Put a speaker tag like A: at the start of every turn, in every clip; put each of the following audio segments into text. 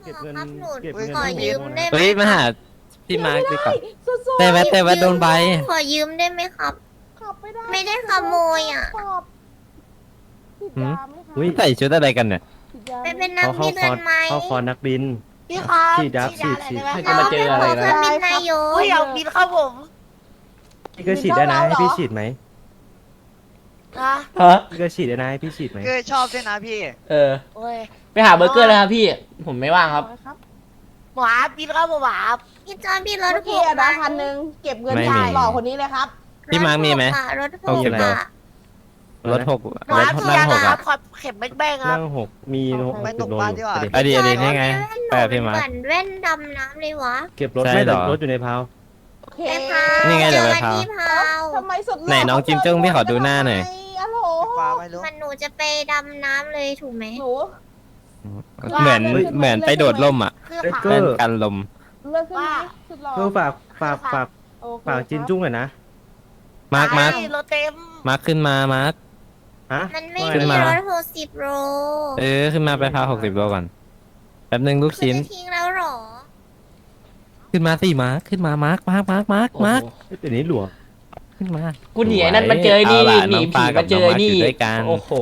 A: เก็บเงิน
B: ครับหนู
A: เก็บเงิน
B: ขอยืมได้ไหม
C: เฮ้ยมาหาพี่มาร์คดีกว่า
D: สู้ๆ
C: แต่ว่าโดนใบ
B: ขอยืมได้ไหมครับ
D: ขับไม่ได้
B: ไม่ได้ขโมยอะ
D: ขอบติดยาไหมคะ
A: อุ้ย
C: ใส่ชุดอะไรกันเนี่ย
D: ติดยา
B: ไป
D: ไหม
B: เป็นนัก
A: เขา
B: บิ
A: เข้าน คอร์ส
B: กันไหม
A: เข้าคอร์สนักบิน
E: พี่ครับ
A: ฉีดยับ
E: ยา
A: ฉีด
E: อะไร
A: ฉีด
E: ได้ไหม
F: ให้มาเจออะไร
B: ขเครื่
F: นะ
B: องบินนายก
E: อุ้ยอยากบินครับผม
A: พี่ก็ฉีดได้นะให้พี่ฉีดไหม
E: นะ
F: ฮะ
A: พี่ก็ฉีดได้นะให้พี่ฉีดไหม
G: คือชอบด้วยนะพี่
F: เออ
E: โอ้ย
F: ไปหาเบอร์เกอร์เลยครับพี่ ผมไม่ว่างครับ
D: ครับ
E: หวาบินครับผมหวา
B: พี่จอนพี่รถ
D: เมื่อ
B: ห
D: กี้
B: ก
D: อะนะ
B: บาท
D: 1,000เก็บเงิน
C: ไม่มี
D: จ่ายหล่อคนนี้เลยครับ
C: พี่มาร์คมีไหม
B: รถห
C: โอก เค
B: บาท
C: รถหก
E: หวา
C: รถ
E: พี่
C: นั่
E: ยาง
C: หก
E: ครั
C: อ่ะ
E: บขอบเข็มแบ้งๆครั
A: นั่
E: บ
A: ง6มี
G: ไปตก
A: โล
G: ปลา
A: อ
G: ดี
A: ยู่
G: กว่า
A: ไปดิ
C: อดีนี่ไงแปลพี่มาร์ค
B: เหมือนแว่นดำน้ำเลยวะ
A: เก็บรถ
C: ใช่
A: ไม่
C: เหร
A: แต่
C: อ
A: รถอยู่ในเพา
D: โอเค
B: ไปพาว
C: นี่ไงเดี๋ยวไปพาว
B: ที่พาว
D: ทำไมสุดหล่
C: ไหนน้องจิ้มจุ้งพี่ขอดูหน้าหน่อย
D: อะโหล
G: ปลาไม่รู้
B: มันหนูจะไปดำน้ำเลยถูกไหม
D: หนู
C: เหมือนไปโดดร่มอ่ะ
E: คือ
A: เอ้ย
E: ผา
A: ก็
C: เล่นกันลม
D: เลิกขึ้นไหมสุดหล่อ
A: เพื่อฝาก
D: โอเค
A: ฝากจินจุ้งหน่อยนะ
C: มาร์ค
E: รถเต็ม
C: ขึ้นมามาร์ค
A: ฮะ
B: มันไม่
C: ขึ้น
B: มี
C: มา
B: รถ60 โล
C: ขึ้นมาไปพา60 โลก่อนแป๊บนึงลูก
B: คือ
C: ชิ้น
B: จะทิ้งแล้วเหรอ
C: ขึ้นมาสิมาร์คขึ้นมามาร์ค
F: โอ้โห
A: เดี๋ยวนี้หลวง
C: ขึ้นมา
F: กูหนีไอ้นั่นมาเจอไอ้นี่
C: าล่ะ
F: หนี
C: อง
F: ผี
C: ปกั
F: มา
C: บ
F: เจอ
C: น้ง
F: ไอ้นี่
C: ร์คยู่ด้วยกัน
F: โอ้โห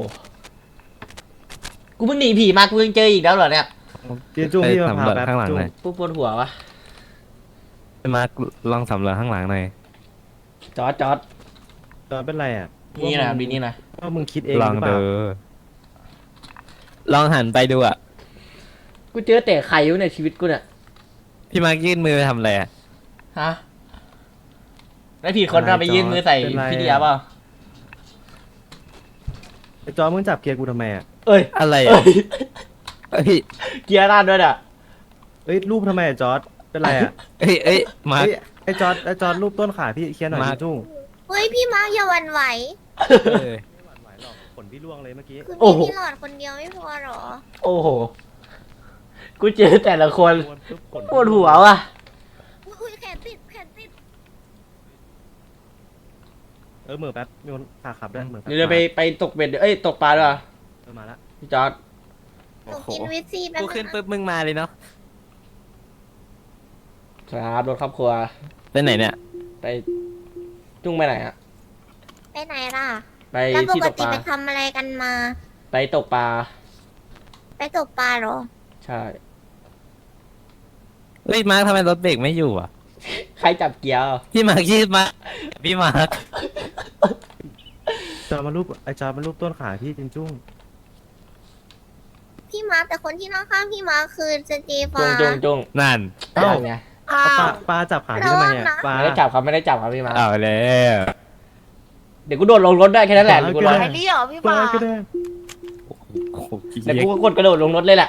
F: กูเพิ่งหนีผีมากูยังเจออีกแล้วเหรอเนี่ย
A: จินจุ้ง
C: ไป
A: พี่มา
C: สำ
A: พาร
C: วจ
A: แป๊บ
C: ข้างหลัง
A: จุ้ง
C: หน่อย
F: กูปวดหัววะ
C: มาร์คลองสำรวจข้างหลังหน่อย
F: จอด
A: ตอนเป็นไรอ่ะ
F: นี่นะบินนี่นะ
A: ว่ามึงคิดเอง
C: ลอง
A: หรือเป
C: ดู
A: ล่า
C: ลองหันไปดูอ่ะ
F: กูเจอแต่ไข่อยู่ในชีวิตกูเนี่ย
C: พี่มาร์คยื่นมือไปทำอะไรอ่ะ
F: ฮะแล้วผีคนเราไปยื่นมือใส่พี่เดียเปล่า
A: ไอ้จอมึงจับเกียร์กูทำไมอ่ะ
F: เอ้ย
C: อะไร
F: เอ้
C: อ่ะ
F: ย
C: เอ้ย
F: เกียร์ด้านด้วยอ่ะ
A: เอ้ยรูปทำไมอะจอร์ดเป็นไรอ่ะ
C: เอ้ยมาร์ค
A: เอ้ยไอ้จอร์ดรูปต้นขาพี่เคลียร์หน่อย
C: มา
A: จินจุ้ง
B: เฮ้ยพี่มาร์คอย่าหวั่นไหว
C: เออ
A: ไม่หวั่นไหวหรอกขนพี่ล่วงเลยเมื่อกี้
B: คือ
F: โอ้
B: มี
F: โห
B: พี่หลอดคนเดียวไม่พอเหรอ
F: โอ้โห กูเจอแต่ละคน
A: ขน
F: ปวดหัวว่ะ
B: อุ้ยแขนติดแขนติด
A: เหมือแป๊บมีคนขาขับด้วยเหมือแป๊บ
F: เดี๋ยวไปตกเบ็ดเอ้ยตกปลาด้วยวะ
A: มาละ
F: พี่จอร์ด
B: หนูกินวิตซีแป๊บ
C: กูขึ้น
B: นึง
C: ปุ๊บมึงมาเลยเนาะ
F: ครับรถครอบครัว
C: ไปไหนเนี่ย
F: ไปจุ้งไปไหนอะ
B: ไปไหนล่ะ
F: ไป
B: แล้วป
F: ที่
B: ก
F: ตก
B: ติ
F: ปลา
B: ไปทำอะไรกันมา
F: ไปตกปลา
B: ไปตกปลาเหรอ
F: ใช่
C: เฮ้ยมาร์คทำไมรถเบรกไม่อยู่อ่ะ
F: ใครจับเกียร์
C: พี่มาร์คยืดมาพี่มาร์ค
A: จอร์ดมารูปไอ้จอร์ดมารูปต้นขาพี่จินจุ้ง
B: พี่มาร์คแต่คนที่นั่งข้างพี่มาร์คคือเจเจ
F: จุ้
B: ฟ้าง
F: จุ้ง
C: นั่น
F: นั่นไง
E: อ้า
A: ปลาว จับขาพี่ทำไมเนี่ยปลา
F: ไม่ได้จับครับไม่ได้จับครับพี่มา
C: เอาแล้ว
F: เดี๋ยวกูโดดลงรถได้แค่นั้นแหละเดี๋ยวกูรอ
E: ไอ้นี่เหรอพี่
A: ปลา
E: มา
A: ก็ได้
C: โอ้โห
F: เดี๋ยวกูก็กดกระโดดลงรถเลยแหละ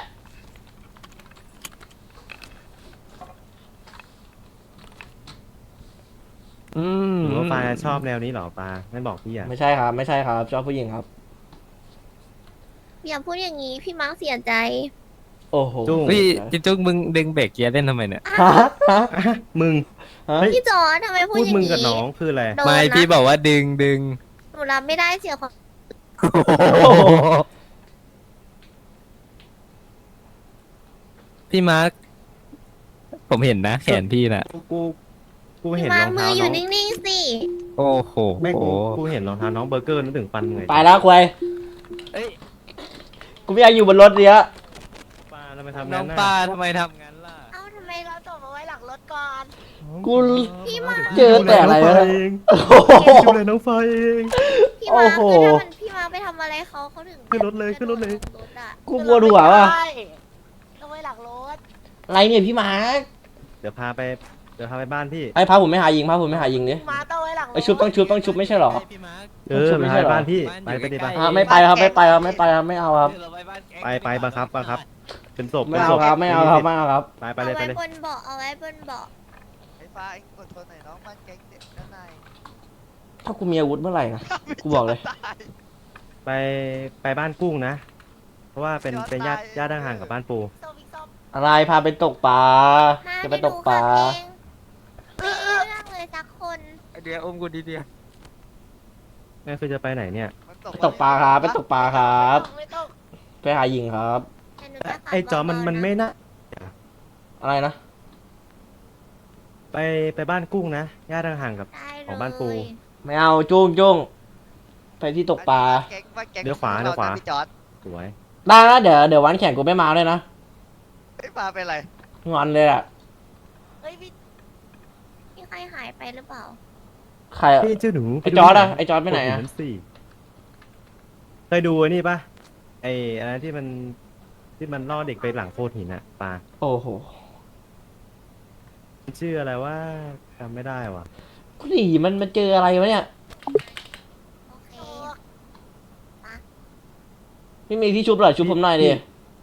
C: อืม
A: หรือว่าปลาชอบแนวนี้เหรอปลาไม่บอกพี่อ่ะ
F: ไม่ใช่ครับ ไม่ใช่ครับชอบผู้หญิงครับ
B: อย่าพูดอย่างนี้พี่มาร์คเสียใจ
F: โอ้โห
A: จุ้ง
C: พี่จิ๊จุ้งมึงดึงเบรกเกียร์เล่นทำไมเนี่ย
F: ฮะฮะ
A: อ่ะมึง
F: ฮะ
A: เฮ้ย
B: พี่จอร์จทำไมพูด
A: พูด
B: อย่าง
A: มึง
B: นี้
A: กับน้องคืออะไร
B: โดน
C: ไม่
B: นะ
C: พี่บอกว่าดึง
B: หนูรับไม่ได้เสียความ
C: พี่มาร์คผมเห็นนะ แขนพี่น่ะ
A: กู
B: พี่
A: เห็น
B: มาร ร์
A: อ
B: ค
A: ง
B: มื
A: เท้า
B: ออ
A: น้
B: ยู่
A: อง
B: นิ่งๆสิ
C: โอ้โห
A: ไม่กูเห็นรองเท้าน้องเบอร์เกอร์นึกถึงปันไง
F: ไปแล้วควย
C: เอ้ย
F: กูไม่อยากอยู่บนรถเนี้ย
A: ปลาทำไมทำ
C: น้
A: งั้
C: อน ง
A: น่ะ
C: ปลาทำไมทำงั้นล่ะ
B: เอ้าทำไม
E: เราตกมาไว้หลังรถก่อน
F: กู
B: พี่มาร์ค
F: เจอแต่อะไรวะ
A: เอง
F: โอ้โห
A: ดูเลยน้องไฟเอง
B: พี่มาร์ค
F: โอ้โห
B: คือถ้ามันพี่มาร์คไปทำอะไรเขาถึง
A: ขึ้นรถเลยขึ้นรถเลย
B: รถอะ
F: กูปวดหัวว่ะ
E: ใช่เอาไว้หลังรถ
F: อะไรเนี่ยพี่มาร์ค
A: เดี๋ยวพาไปบ้านพี่
F: ไอ้พาผมไม่หายิงพาผมไม่หายิงดิ
E: มาต้องไว้หลังรถ
F: ไอ้ชุบต้องชุบไม่ใช่เหรอ
C: พี่มาร์ค
A: ไป
F: ไม่ใช่เหรอ
A: บ้านพี่ไปดิบ้าน
F: ไม่ไปครับไม่ไปครับไม่ไปครับไม่เอาครับ
A: ไปบังคับเป็นศพ
F: ไม่เอาครับไม่เอาครับไม่เอาครับ
A: ไปเลย
B: เอา
A: ไป
B: ไว้
A: เลย
B: บนเบาะเอาไว้บนเบาะ
G: ไอ้ฟ้าเองกดทนหน่อยน้องมันแก๊งเด็กด้านใน
F: ถ้ากูมีอาวุธเมื่อไหร่นะกูบอกเลย
G: ตาย
A: ไปบ้านกุ้งนะ เพราะว่าเป็นญาติห่างกับบ้านปู
E: ส้มอีกส้ม
F: อะไรพาไปตกปลา
B: มา
F: จะไปตกปลา
B: ไม่รู้เรื่องเลยสักคน
C: เดียวอมกูดีเดียว
A: แม่คือจะไปไหนเนี่ย
G: มัน
F: ไปตกปลาครับไปตกปลาครับ
E: ไม่ต้อง
F: ไปหายิงครับ
B: แต่หนูจะขับ
A: ไอ้จอมัน
B: เบาๆะ
A: ไม่น่า
F: อะไรนะ
A: ไปบ้านกุ้งนะย่าทางห่างกับ
B: ได้เล
A: ของบ้านปู
B: ย
F: ไม่เอาจุ้งจุ้งไปที่ตกปลา
G: แก๊งบ้านแก๊ง
A: เลี้ยวขวา
G: ของ
A: เลี้ยวขวา
G: นะพี่จอร์ด
A: สวย
F: ได้นะเดี๋ยววันแข่งกูไม่มาด้วยนะ
G: ไม่มาเป็นไร
F: งอนเลยอ่ะ
E: เฮ้ยพี่
B: มีใครหายไปหรือเปล่า
F: ใครอะ
A: พี่เจ้าหนู
F: ไอ้จอร์ดอะไอ้จอร์ดไปไหนอะ
A: โโสิเคยดูไอ้นี่ปะไอ้อะไรที่มันล่อเด็กไปหลังโคตรหินอะปลา
F: โอ้โห
A: มันชื่ออะไรว่าจำไม่ได้ว่ะ
F: กูดีมันมาเจออะไรวะเนี่ย
B: โอเค
F: ไม่มีที่ชุบหน่อยชุบผมหน่อยดิ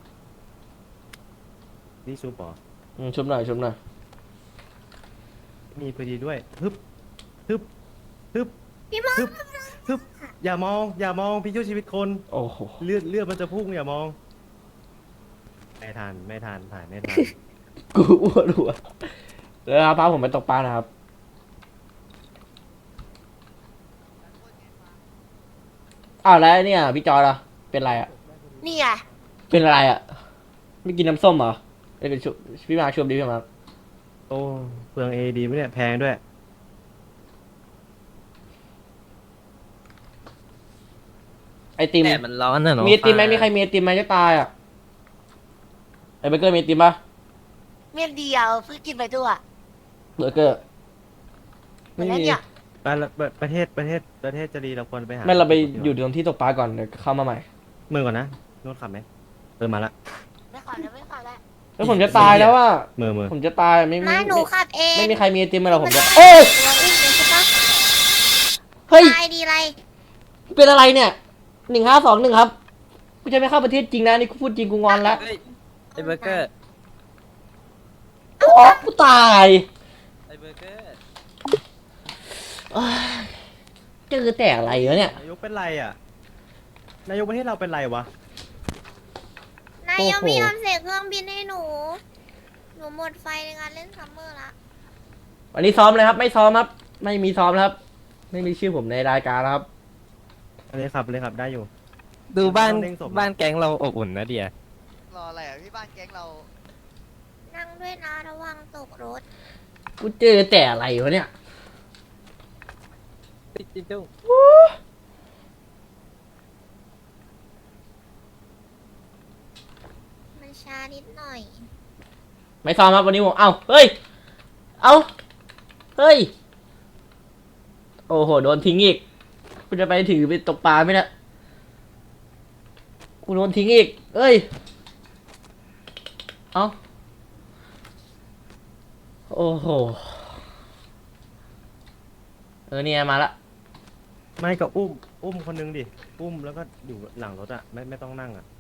A: นี่ซูปอ
F: ชุบหน่อยชุบหน่อย
A: มีพอดีด้วยฮึบฮึบฮึบ
B: พี่มา
A: ฮึบฮึบอย่ามองพี่ช่วยชีวิตคน
F: โอ้โห
A: เลือดมันจะพุ่งอย่ามองไม่ทันถ่ายไม่ทัน
F: กูอ้วนหัวแล้วครับพาผมไปตกปลานะครับอ้าวแล้วเนี่ยพี่จอยล่ะเป็นไรอ่ะ
E: นี่ไง
F: เป็นอะไรอ่ะไม่กินน้ำส้มเหรอเอ้ยเป็นชุบพี่มาชมดิพี่มา
A: โอ้เปลืองเอดีไหมเนี่ยแพงด้วย
F: ไอติม
C: แดดมันร้อนนะเนาะ
F: มีไอติมไหมมีใครมีไอติมไหมจะตายอ่ะไอเบอร์เกอร์มีไอติมปะ
E: เมียนเดียวเพิ่งกินไปด้วย
F: เบอร์เกอร์
E: เหมือนแล้วเนี่ย
A: ประเทศจะดีเราควรไปหา
F: ไม่เราไปอยู่ตรงที่ตกปลาก่อนเดี๋ยวเข้ามาใหม่
A: เมืองก่อนนะโน้ตขับไหมมาละ
E: ไม่ขอแล้วไม่ขอแล้ว
F: แล้วผมจะตายแล้วว่า
A: เมือ
F: ผมจะตายไม่
B: มาหนูขับเอง
F: ไม่มีใครมีไอติมมาหรอกผมจะ
B: ตัว
F: โอ้ย
B: อุ้มเลยใช่ปะ
F: เฮ้ย
B: ตายดีไร
F: เป็นอะไรเนี่ย1521ครับกูจะไม่เข้าประเทศจริงนะนี่กูพูดจริงกูงอนแล้ว
C: เฮ้ยไอ้เบอร์เกอร์
F: โอ้กูตาย
C: ไอ้เบอร์เกอร์
F: เอ้ยเจอแต่อะไรวะเนี่ย
A: นายกเป็นไรอ่ะนายกประเทศเราเป็นไรวะ
B: นายยังไม่ยอมเสกเครื่องบินให้หนู หนูหมดไฟในการเล่นซัมเมอร์ละ
F: วันนี้ซ้อมเลยครับ ไม่ซ้อมครับ ไม่มีซ้อมแล้วครับ ไม่มีชื่อผมในรายการแล้วครับ
A: เลยครับได้อยู่
C: ดูบ้าน
A: ต้องเร่งศพนะ
C: บ้านแก๊งเราอบอุ่นนะเดีย
G: รออะไรอ่ะพี่บ้านแก๊งเรา
B: นั่งด้วยนะระวังตกรถ
F: กูเจอแต่อะไรวะเนี่ย
C: จิ้มจุ้ง
B: มันช้านิดหน่อย
F: ไม่ซ้อมครับวันนี้ผมเอ้าเฮ้ย เอ้าเฮ้ย โอ้โหโดนทิ้งอีกกูจะไปถือไปตกปลาไหมเนี่ยกูโดนทิ้งอีกเอ้ย เอ้าโอ้โหเนี่ยมาละ
A: ไม่ก็อุ้มคนนึงดิอุ้มแล้วก็อยู่หลังรถอ่ะไม่ต้องนั่งอ่ะ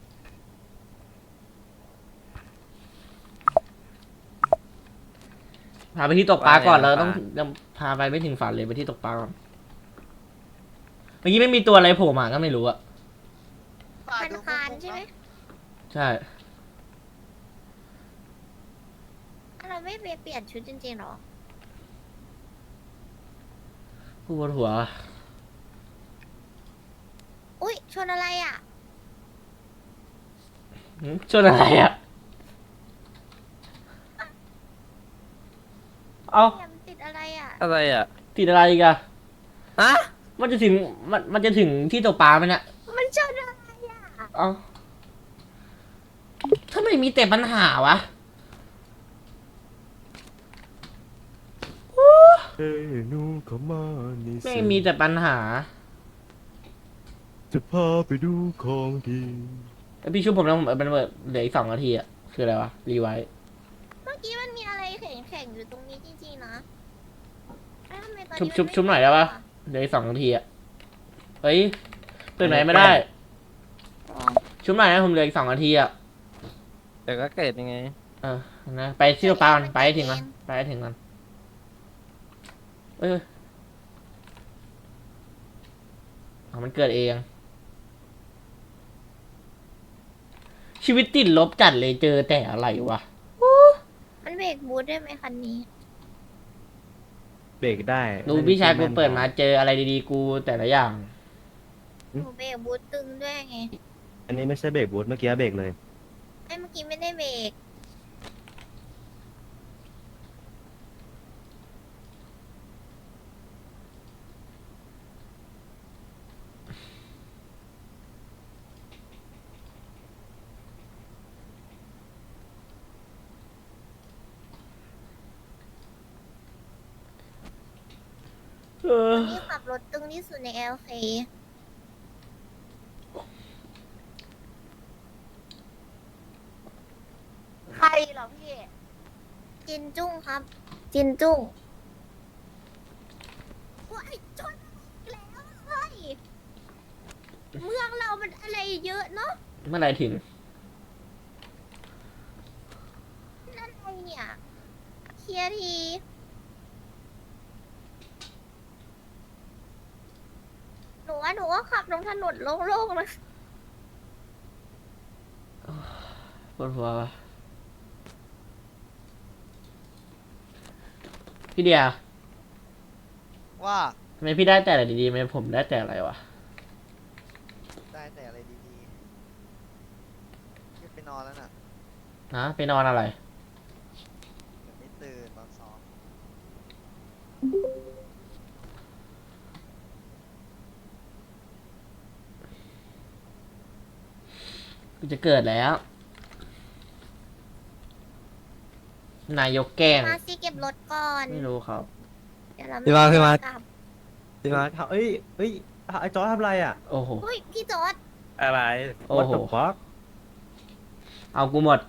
F: พาไปที่ตกปลาก่อนเราต้องยังพาไปไม่ถึงฝันเลยไปที่ตกปลาก่อนเมื่อกี้ไม่มีตัวอะไรโผล่มาก็ไม่รู้อะ
G: ฝ่าย
B: คัน
G: ดู
B: คานใช่ไหม
F: ใช่
B: เราไม่ไปเปลี่ยนชุดจริงๆหรอ
F: ปวดหัว
B: อุ้ยชนอะไรอ่ะ
F: ชนอะไรอะเอา
B: แยมติดอะไรอ่ะ
C: อะไรอ่ะ
F: ติดอะไรอีกอะ
C: อะ
F: มันจะถึงมันจะถึงที่ตกปลาไหมเนี่ย
B: มันชนอะไรอ่ะ
F: เอาทำไมมีแต่ปัญหาวะ
A: เฮ้ยนูเข้ามานี่
F: ไม่มีแต่ปัญหา
A: จะพาไปดูของดี
F: แล้วพี่ช่วยผมนะผมมันเหลืออีก2 นาทีอะคืออะไรวะรีไวท์
B: เมื่อกี้มันมีอะไรแข็งๆอยู่ตรงนี้จริงๆนะแล้วทำไมตอน
F: ชุบ
B: นี้
F: ชุบ
B: มันไม่
F: ชุบหน่อยได้ปะเหลืออีก2 นาทีอะเฮ้ยตื่นไหนไม่ได้
B: อ๋อ
F: ชุบหน่อยนะผมเหลืออีก2 นาทีอะ
C: เดี๋ยวก็เกิดยังไง
F: นะไปที่ตกปลาก่อนไปให้ถึงมันไปให้ถึงมันเอ้ยมันเกิดเอง ชีวิตติดลบจัดเลยเจอแต่อะไรวะ
B: มันเบรกบูทได้ไหมคันนี้
A: เบรกได้
F: ดูพี่ชายกูเปิดมาเจออะไรดีๆกูแต่ละอย่าง
B: หนูเบรกบูทตึงด้วยไง
A: อันนี้ไม่ใช่เบรกบูทเมื่อกี้เบรกเลย
B: ไอ้เมื่อกี้ไม่ได้เบรก
F: อ
B: นี่ขับรถตึงที่สุดใน LK
E: ใครเหรอพี่
B: จินจุ้งครับ จินจุ้งว้ายจนอีกแล้วเฮ้ยเมืองเรามันอะไรเยอะเนาะ
F: เมื่อไหร่ถึง
B: นั่นอะไรเนี่ยเคลียร์ทีหนูว่าขับลงถนนโล่งๆนะ
F: ปวดหัววะพี่เดีย
G: ว่า
F: ทำไมพี่ได้แต่อะไรดีๆทำไมผมได้แต่อะไรวะ
G: ได้แต่อะไรดีๆขึ้นไปนอนแล้วน่ะ
F: ฮะไปนอนอะไร
G: เดี๋ยวไม่ตื่นตอนซ้อม
F: กูจะเกิดแล้ว นายกแกล้ง
B: มาสิเก็บรถก่อน
F: ไม่รู้ครับ
B: เดี๋ยวเรา
C: พี่มาร์คพี่มาร์ค
B: กลับ
A: พี่มาร์คเอ้ยไอ้จอร์จทำอะไรอ่ะ
F: โอ้โห
B: เฮ้ยพี่จอร์ด
A: อะไร
F: โอ้
A: What
F: โห
A: the fuck
F: เอากูหมด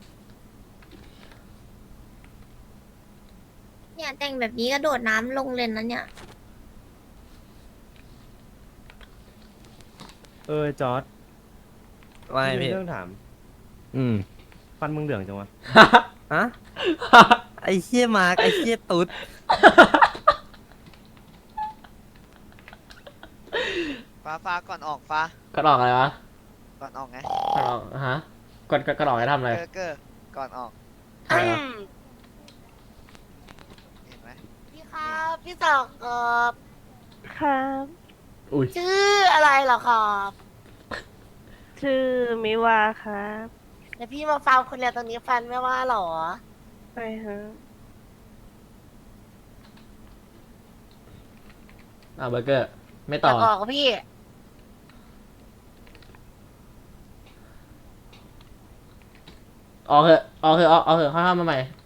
B: เนี่ยแต่งแบบนี้กระโดดน้ำลงเลยนะเนี่ย
A: จอร์จ
C: ไม่
A: มี
C: พี่
A: เรื่องถาม
C: อืม
A: ฟันมึงเหลืองจังวะ
C: ฮะไอ้เชี่ยมาร์กไอ้เชี่ยตุ๊ด
G: ฟ้าก่อนออกฟ้า
F: ก็ออกอะไรวะ
G: ก่อนออกไง
F: ก็ออกฮะก็ออกให้ทำอะไร
G: เกอร์ก่อนออก
F: ทำอะไรวะ
G: เห็นไหม
E: พี่ครับพี่สองครับ
H: ครับ
F: อุ้ย
E: ชื่ออะไรเหรอครับ
H: ชื่อมิวาครับ
E: แล้วพี่มาฟังคนเดียวตรงนี้ฟันไม่ว่าเหรอ
H: ไปฮะ
F: เอาเบอร์เกอร์ ไม่
E: อ
F: ต่
E: ยา
F: อ
E: กออกกับพี่
F: ออกเถอะเข้ามาใหม่